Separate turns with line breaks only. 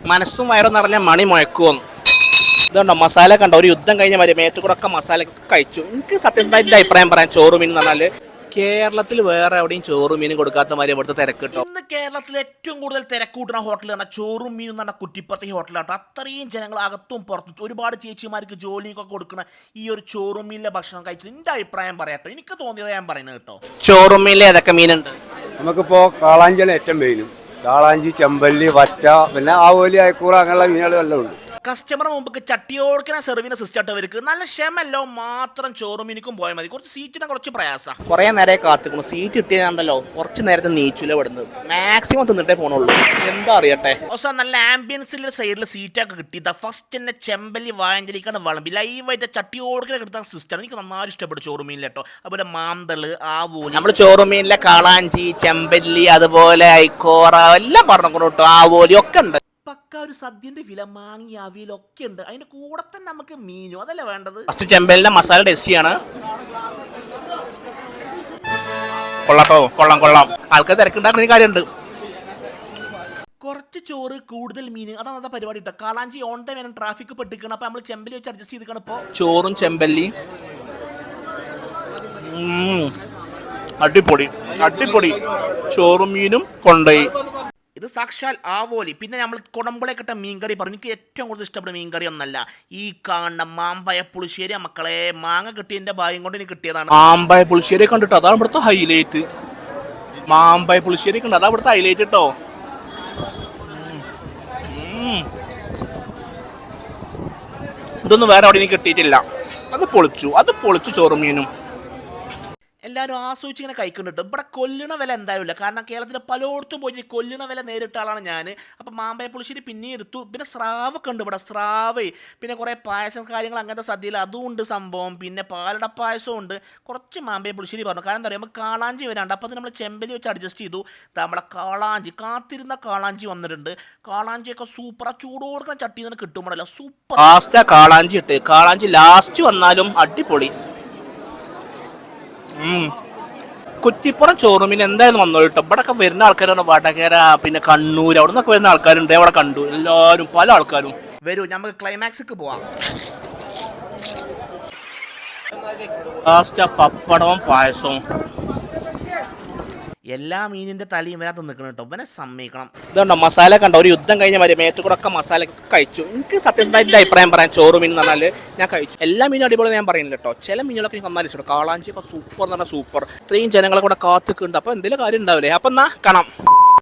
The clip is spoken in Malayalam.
മനസ്സും വയറും നിറഞ്ഞ മണി മുഴക്കുമെന്ന്. ഇതുണ്ടോ മസാല കണ്ടോ, ഒരു യുദ്ധം കഴിഞ്ഞ മാതിരി മേറ്റുകൂടെ ഒക്കെ മസാല കഴിച്ചു. എനിക്ക് സത്യസന്ധമായിട്ട് അഭിപ്രായം പറയാം, ചോറ് മീൻ എന്ന് പറഞ്ഞാൽ കേരളത്തിൽ വേറെ എവിടെയും ചോറും മീനും കൊടുക്കാത്ത മാതിരി ഇവിടുത്തെ തിരക്ക് കിട്ടും. ഇന്ന് കേരളത്തിൽ ഏറ്റവും കൂടുതൽ തിരക്ക് കൂട്ടുന്ന ഹോട്ടൽ പറഞ്ഞാൽ ചോറും മീനും എന്ന് പറഞ്ഞാൽ കുറ്റിപ്പുറത്തെ ഹോട്ടലാട്ടോ. അത്രയും ജനങ്ങൾ അകത്തും പുറത്തും ഒരുപാട് ചേച്ചിമാർക്ക് ജോലിയൊക്കെ കൊടുക്കുന്ന ഈ ഒരു ചോറും മീനിലെ ഭക്ഷണം കഴിച്ചത് എൻ്റെ അഭിപ്രായം പറയാട്ടോ. എനിക്ക് തോന്നിയത് ഞാൻ പറയുന്നത് കേട്ടോ. ചോറും മീനിൽ ഏതൊക്കെ മീനുണ്ട്?
നമുക്കിപ്പോൾ കാളാഞ്ചിയാണ് ഏറ്റവും മെയിനും. കാളാഞ്ചി, ചെമ്പല്ലി, വറ്റ, പിന്നെ ആവോലി, അയക്കൂറ അങ്ങനെയുള്ള മീനുകളെല്ലാം ഉണ്ട്.
കസ്റ്റമർ മുമ്പ് ചട്ടിയോടുക്കണ സെർവിന് സിസ്റ്റം അവർക്ക് നല്ല ക്ഷമല്ലോ, മാത്രം ചോറും മീനിക്കും പോയാൽ മതി. കുറച്ച് സീറ്റിനെ കുറച്ച് പ്രയാസം, കുറേ നേരം കാത്തിക്കണം. സീറ്റ് കിട്ടിയാണ്ടല്ലോ കുറച്ച് നേരത്തെ നീച്ചില വിടുന്നത്, മാക്സിമം തിന്നിട്ടേ പോണുള്ളൂ. എന്താ അറിയട്ടെ. അവസാനം നല്ല ആംബിയൻസിലെ സൈഡിൽ സീറ്റൊക്കെ കിട്ടി. ഫസ്റ്റ് തന്നെ ചെമ്പല്ലി വായഞ്ചലിക്കാണ് വിളമ്പി ലൈവായിട്ട് ചട്ടിയോടുക്കണ കിട്ടുന്ന സിസ്റ്റം എനിക്ക് നന്നായി ഇഷ്ടപ്പെട്ടു ചോറും മീനിൽ കേട്ടോ. അതുപോലെ മാന്തള്, ആവോലി, നമ്മൾ ചോറും മീനിലെ കാളാഞ്ചി, ചെമ്പല്ലി, അതുപോലെ ഐക്കോറ എല്ലാം പറഞ്ഞു കേട്ടോ. ആവോലി ഒക്കെ ഉണ്ട്. പക്ക ഒരു സദ്യന്റെ വില, മാങ്ങി അവിയലൊക്കെ ഉണ്ട്. അതിന്റെ കൂടെ തന്നെ നമുക്ക് മീനും അതല്ലേ വേണ്ടത്. ഫസ്റ്റ് ചെമ്പലിന്റെ മസാല ടേസ്റ്റിയാണ്. കൊള്ളാട്ടോ, കൊള്ളാം കൊള്ളാം. ആൾക്കാർ തിരക്കുണ്ടാക്കുന്ന കാര്യമുണ്ട്. കുറച്ച് ചോറ് കൂടുതൽ മീൻ, അതാണ് അതാ പരിപാടി കേട്ടോ. കാളാഞ്ചി ഓൺ ടൈം വേണം, ട്രാഫിക് പെട്ടിക്കണം. അപ്പൊ നമ്മൾ ചെമ്പല്ലി വെച്ച് അഡ്ജസ്റ്റ് ചെയ്തിരിക്കണം. ഇപ്പോൾ ചോറും ചെമ്പല്ലി അടിപൊളി അടിപൊളി. ചോറും മീനും കൊണ്ടുപോയി. ഇത് സാക്ഷാൽ ആവോലി. പിന്നെ നമ്മൾ കുടമ്പളയൊക്കെ മീൻകറി പറഞ്ഞു. എനിക്ക് ഏറ്റവും കൂടുതൽ ഇഷ്ടപ്പെട്ട മീൻകറി ഒന്നല്ല ഈ കാണുന്ന മാമ്പഴ പുളിശ്ശേരി. മക്കളെ മാങ്ങ കിട്ടിയതിന്റെ ഭാഗ്യം കൊണ്ട് എനിക്ക് കിട്ടിയതാണ്. മാമ്പഴ പുളിശ്ശേരി കണ്ടിട്ടോ, അതാണ് ഇവിടുത്തെ ഹൈലൈറ്റ്. മാമ്പഴ പുളിശ്ശേരി കണ്ടോ, അതാണ് ഇവിടുത്തെ ഹൈലൈറ്റ് കേട്ടോ. ഇതൊന്നും വേറെ അവിടെ എനിക്ക് കിട്ടിയിട്ടില്ല. അത് പൊളിച്ചു ചോറും മീനും. എല്ലാവരും ആസ്വദിച്ച് ഇങ്ങനെ കഴിക്കുന്നുണ്ട്. ഇവിടെ കൊല്ലുന്ന വില എന്തായാലും ഇല്ല. കാരണം കേരളത്തിൽ പലയിടത്തും പോയി കൊല്ലുന്ന വില നേരിട്ട ആളാണ് ഞാൻ. അപ്പം മാമ്പഴ പുളിശ്ശേരി പിന്നെ എടുത്തു. പിന്നെ സ്രാവൊക്കെ ഉണ്ട് ഇവിടെ, സ്രാവ്. പിന്നെ കുറേ പായസം കാര്യങ്ങൾ അങ്ങനത്തെ സദ്യയിൽ അതും ഉണ്ട് സംഭവം. പിന്നെ പാലട പായസവും ഉണ്ട്. കുറച്ച് മാമ്പഴ പുളിശ്ശേരി പറഞ്ഞു. കാരണം എന്താ പറയുക, നമുക്ക് കാളാഞ്ചി വരാണ്ട്. അപ്പോൾ നമ്മൾ ചെമ്പല്ലി വെച്ച് അഡ്ജസ്റ്റ് ചെയ്തു. നമ്മളെ കാളാഞ്ചി, കാത്തിരുന്ന കാളാഞ്ചി വന്നിട്ടുണ്ട്. കാളാഞ്ചിയൊക്കെ സൂപ്പർ. ആ ചൂടോടുക്കുന്ന ചട്ടിയിൽ നിന്ന് കിട്ടുമ്പോഴല്ലോ സൂപ്പർ. ലാസ്റ്റ് കാളാഞ്ചി ഇട്ട്, കാളാഞ്ചി ലാസ്റ്റ് വന്നാലും അടിപൊളി. കുറ്റിപ്പുറം ചോറുമീൻ എന്തായാലും വന്നോ കേട്ടോ. ഇവിടെയൊക്കെ വരുന്ന ആൾക്കാരാണ് വടകര, പിന്നെ കണ്ണൂർ, അവിടെ നിന്നൊക്കെ വരുന്ന ആൾക്കാരുണ്ട്. അവിടെ കണ്ടു എല്ലാവരും, പല ആൾക്കാരും. വരൂ നമുക്ക് ക്ലൈമാക്സിക്ക് പോവാം. ലാസ്റ്റ് പപ്പടവും പായസവും. എല്ലാ മീനിന്റെ തലയും വരാത്ത നിൽക്കണം കേട്ടോ. ഇവനെ സമ്മതിക്കണം. ഇതുണ്ടോ മസാല കണ്ടോ, ഒരു യുദ്ധം കഴിഞ്ഞ മാതിരി മേറ്റുകൂടെ ഒക്കെ മസാല കഴിച്ചു. എനിക്ക് സത്യസന്ധമായിട്ട് അഭിപ്രായം പറയാം, ചോറ് മീൻ എന്ന് പറഞ്ഞാൽ ഞാൻ കഴിച്ചു. എല്ലാ മീനും അടിപൊളി ഞാൻ പറയുന്നില്ല കേട്ടോ. ചില മീനുകളൊക്കെ എനിക്ക് നന്നായി ഇഷ്ടം. കാളാഞ്ചി ഒക്കെ സൂപ്പർ എന്ന് പറഞ്ഞാൽ സൂപ്പർ. ഇത്രയും ജനങ്ങളെ കൂടെ കാത്തിക്കുന്നുണ്ട്. അപ്പോൾ എന്തെങ്കിലും കാര്യം ഉണ്ടാവില്ലേ. അപ്പം എന്നാ കാണാം.